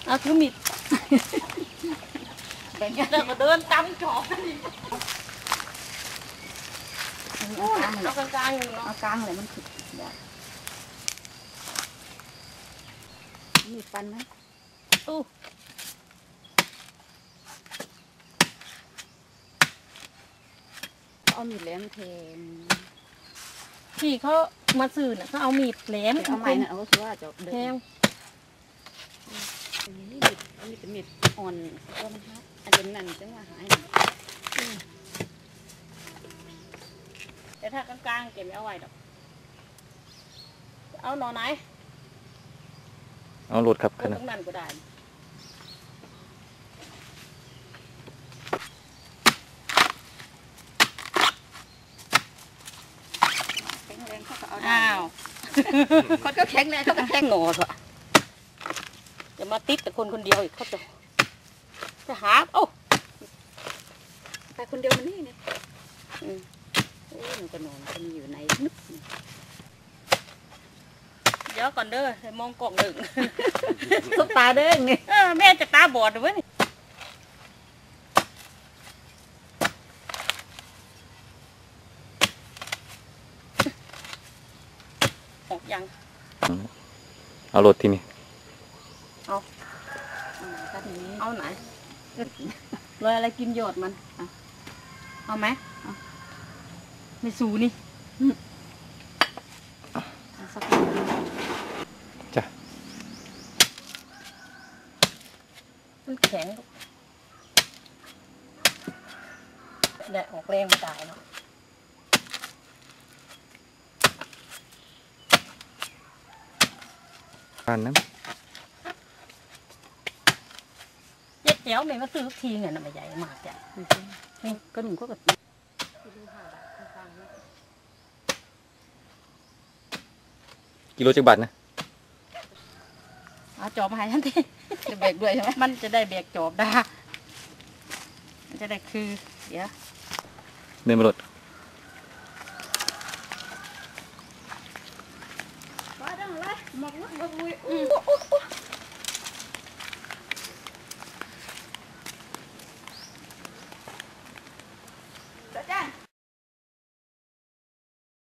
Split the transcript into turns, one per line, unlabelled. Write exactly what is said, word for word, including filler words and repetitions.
เอาคือมิดแบบนี้เราก็เดินตามจอบเอากลางกลางๆเอากลางเลยมันขึ้นได้มีฟันไหมอู้เอามีดแหลมแทงที่เขามาซื้อน่ะเขาเอามีดแหลมเอาไม้น่ะเอาคือว่าจะแทงอันนี้มีดอันนี้เป็นมีดอ่อนก็มันฮักอันเป็นนั่นจังว่าหายแต่ถ้ากลางๆเก็บไม่เอาไว้ดอกเอาหน่อไหน
เอาหลุดครับขนาด
ตรงนั้นก็ได้แข็งแรงเขาก็เอาได้อ้าวคนก็แข็งแรงเขาก็แข็งหนอเถอะจะมาติดแต่คนคนเดียวอีกเขาจะจะหาโอ้ไปคนเดียวมันนี่เนี่ยอืมโอ้หนูก็นอนมันอยู่ในนึกเดี๋ยวก่อนเด้อมองกล่องหนึ่งสบตาเด้อไงแม่จะตาบอดด้วยออกยัง
เอาหลุดที่นี่
เอาเอาไหนเลยอะไรกินหยดมันเอาไหมไม่สูนี่
จ้ะ
มันแข็งแดดออกแรงมาตายเนาะ
ปานน้ำ
เจ็ดเจ๋วแม่มาซื้อทีเงินน่ะไม่ใหญ่มากจ้ะนี่ก็หนุ่มก็แบบ
กิโลจักบาทนะ
เอาจอบมาให้ท่านทีจะแบกด้วยใช่ไหมมันจะได้แบกจอบได้มันจะได้คือเดี๋ยว
เดินมาหลุด
ไปดังเลยหมกลุกหมกลุย